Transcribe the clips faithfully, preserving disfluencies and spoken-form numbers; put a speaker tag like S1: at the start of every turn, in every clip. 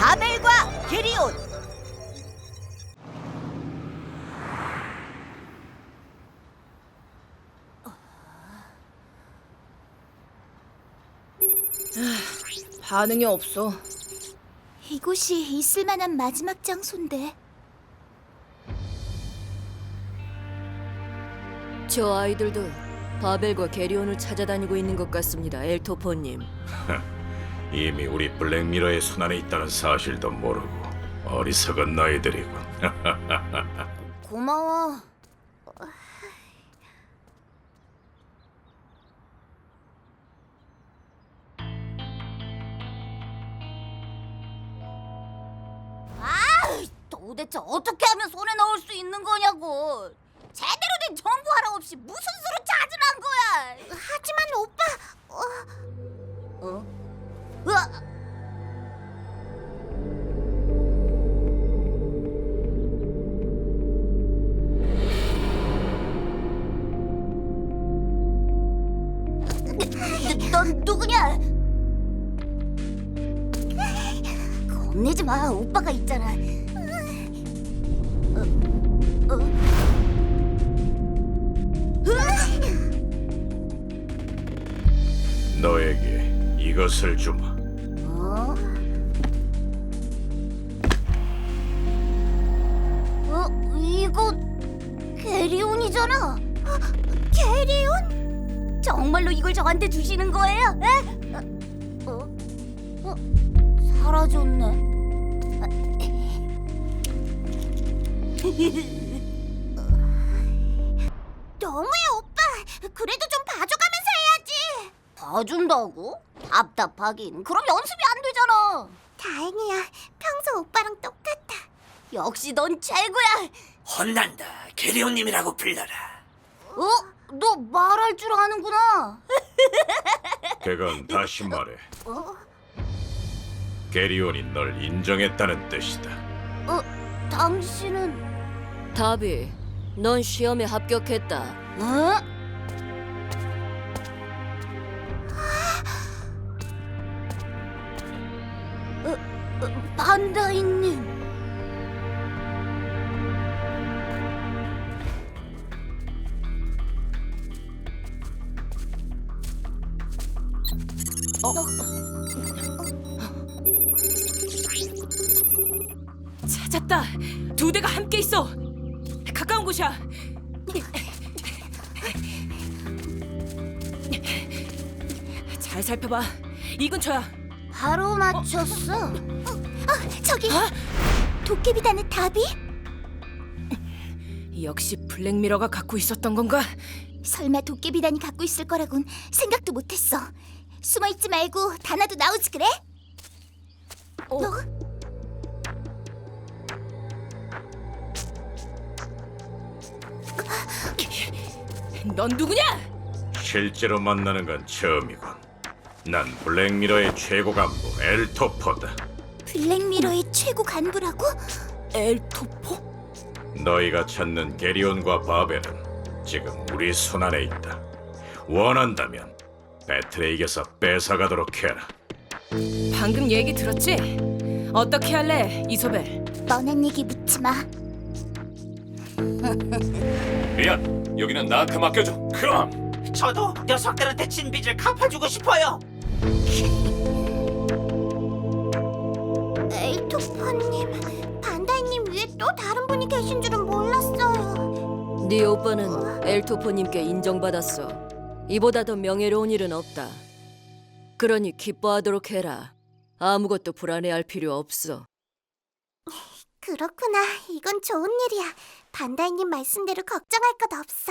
S1: 바벨과 게리온.
S2: 반응이 없어.
S3: 이곳이 있을 만한 마지막 장소인데.
S4: 저 아이들도 바벨과 게리온을 찾아다니고 있는 것 같습니다, 엘토포님.
S5: 이미 우리 블랙미러의 손안에 있다는 사실도 모르고 어리석은 너희들이군.
S3: 고마워. 도대체 어떻게 하면 손에 넣을 수 있는 거냐고. 제대로 된 정보 하나 없이 무슨 수로 찾으란 거야. 하지만 오빠. 어? 어? 으아! 넌 누구냐? 겁내지 마. 오빠가 있잖아. 어? 어?
S5: 너에게 이것을 주마.
S3: 어? 어? 이거 게리온이잖아. 어, 게리온? 정말로 이걸 저한테 주시는 거예요? 에? 어? 어? 어? 사라졌네. 너무해 오빠. 그래도 좀 봐줘가면서 해야지. 봐준다고? 답답하긴. 그럼 연습이 안 되잖아. 다행이야. 평소 오빠랑 똑같아. 역시 넌 최고야.
S6: 혼난다. 게리온님이라고 불러라.
S3: 어? 너 말할 줄 아는구나.
S5: 그건 다시 말해.
S3: 어?
S5: 게리온이 널 인정했다는 뜻이다.
S3: 어? 당신은?
S4: 다비, 넌 시험에 합격했다.
S3: 어? 어, 어, 반다이님.
S2: 찾았다. 두 대가 함께 있어. 가까운 곳이야. 잘 살펴봐. 이 근처야.
S3: 바로 맞췄어. 어, 어, 저기 도깨비단의 답이?
S2: 역시 블랙미러가 갖고 있었던 건가?
S3: 설마 도깨비단이 갖고 있을 거라곤 생각도 못했어. 숨어있지 말고 다나도 나오지 그래?
S2: 어.
S3: 너?
S2: 넌 누구냐?
S5: 실제로 만나는 건 처음이군. 난 블랙미러의 최고 간부 엘토포다.
S3: 블랙미러의 최고 간부라고?
S2: 엘토포?
S5: 너희가 찾는 게리온과 바벨은 지금 우리 손안에 있다. 원한다면 배틀에 이겨서 뺏어가도록 해라.
S2: 방금 얘기 들었지? 어떻게 할래, 이소벨?
S3: 뻔한 얘기 묻지 마.
S5: 미안, 여기는 나한테 맡겨줘.
S6: 그럼 저도 녀석들한테 진 빚을 갚아주고 싶어요.
S3: 엘토퍼님, 반다이님 위에 또 다른 분이 계신 줄은 몰랐어요.
S4: 네 오빠는 엘토포님께 인정받았어. 이보다 더 명예로운 일은 없다. 그러니 기뻐하도록 해라. 아무것도 불안해할 필요 없어.
S3: 그렇구나. 이건 좋은 일이야. 반다이님 말씀대로 걱정할 것 없어.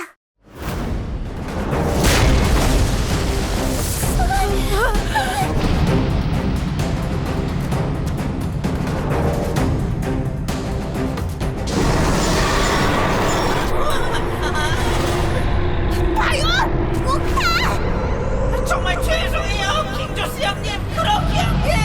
S6: 정말 죄송해요, 킹조스 형님. 그렇게 형님.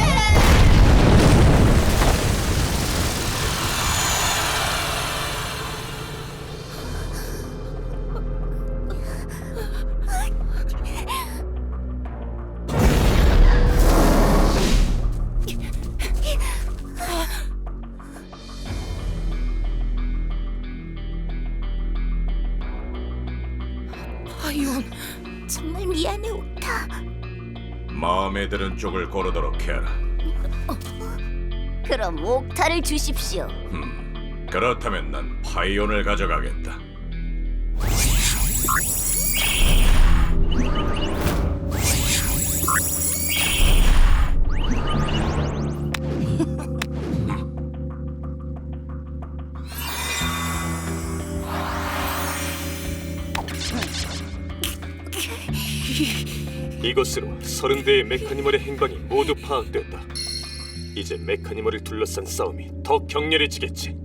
S3: 미안해, 옥타.
S5: 마음에 드는 쪽을 고르도록 해라.
S3: 그럼 옥타를 주십시오.
S5: 음, 그렇다면 난 파이온을 가져가겠다.
S1: 이것으로 서른 대의 메카니멀의 행방이 모두 파악됐다. 이제 메카니멀을 둘러싼 싸움이 더 격렬해지겠지.